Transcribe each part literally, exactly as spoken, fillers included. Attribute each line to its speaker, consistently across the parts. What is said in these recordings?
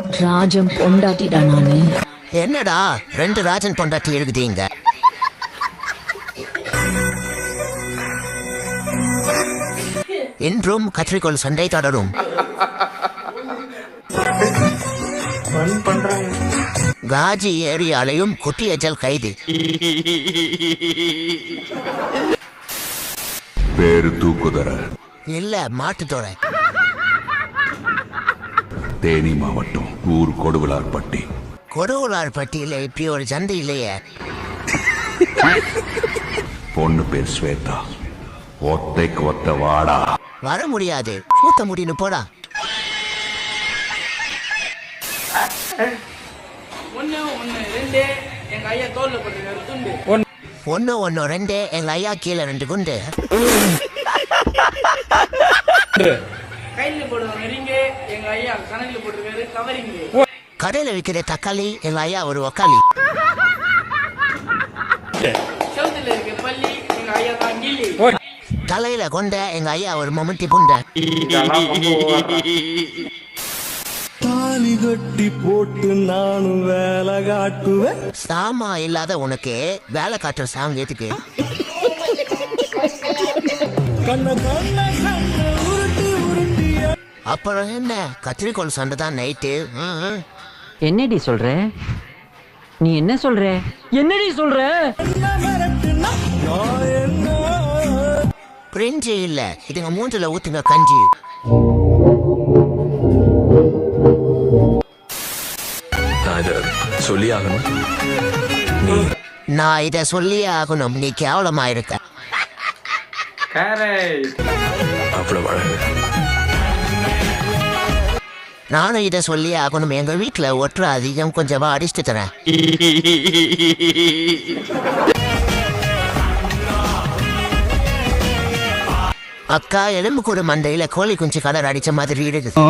Speaker 1: ராஜம் பொண்டாட்டிடா நானு.
Speaker 2: என்னடா ரெண்டு ராஜன் பொண்டாட்டி எழுதுதீங்க? இன்றும் கத்திரிக்கோள் சண்டை தொடரும். காஜி ஏரியாலையும் குட்டியச்சல் கைது.
Speaker 3: பேரு தூக்குதர
Speaker 2: இல்ல மாட்டுத்தோட.
Speaker 3: தேனி மாவட்டம் ஊர் கொடுவிலார்பட்டி.
Speaker 2: கொடுவிலார்பட்டியில இப்படி ஒரு சந்தை இல்லையே.
Speaker 3: பொண்ணு பேர் ஸ்வேதா. ஒத்தைக்கு ஒத்த வாடா.
Speaker 2: வர முடியாது, சூத்த முடின்னு போடா. ஒன்னு ஒன்னு ரெண்டு எங்க ஐயா கீழே ரெண்டு குண்டு. கடையில விற்கிற தக்காளி எங்க ஐயா ஒரு ஒக்காளி. தலையில கொண்ட எங்க ஐயா ஒரு மம்முட்டி புண்ட.
Speaker 4: தாலி கட்டி போட்டு நானும் வேலை காட்டுவேன்.
Speaker 2: சாமா இல்லாத உனக்கு வேலை காட்டுற சாங் ஏத்துக்கு. அப்புறம் என்ன கத்திரிக்கோள் சண்டை தான் நைட்டு.
Speaker 5: என்னடி சொல்ற? நீ என்ன சொல்ற? என்னடி சொல்ற?
Speaker 2: பிரிஞ்சு இல்ல, இதுங்க மூஞ்சில ஊத்துங்க கஞ்சி.
Speaker 4: சொல்லி ஆகணும்.
Speaker 2: நான் இத சொல்லியே ஆகணும். நீ கேவலமா இருக்க. நானும் இத சொல்லியே ஆகணும். எங்க வீட்டுல ஒற்ற அதிகம் கொஞ்சமா அடிச்சுட்டு தரேன். அக்கா எலும்பு கூட மண்டையில கோழி குஞ்சு கலர் அடிச்ச மாதிரி இருக்குது.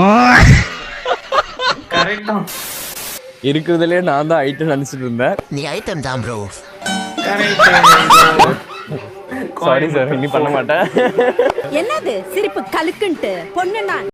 Speaker 6: இருக்கிறதுலே நான் தான் ஐட்டம் நினைச்சிட்டு இருந்தேன்.
Speaker 2: நீ ஐட்டம் தான் ப்ரோ.
Speaker 6: சாரி சார், இனி பண்ண மாட்டேன்.
Speaker 1: என்னது சிரிப்பு கலுக்குன்ட்டு பொண்ணு நான்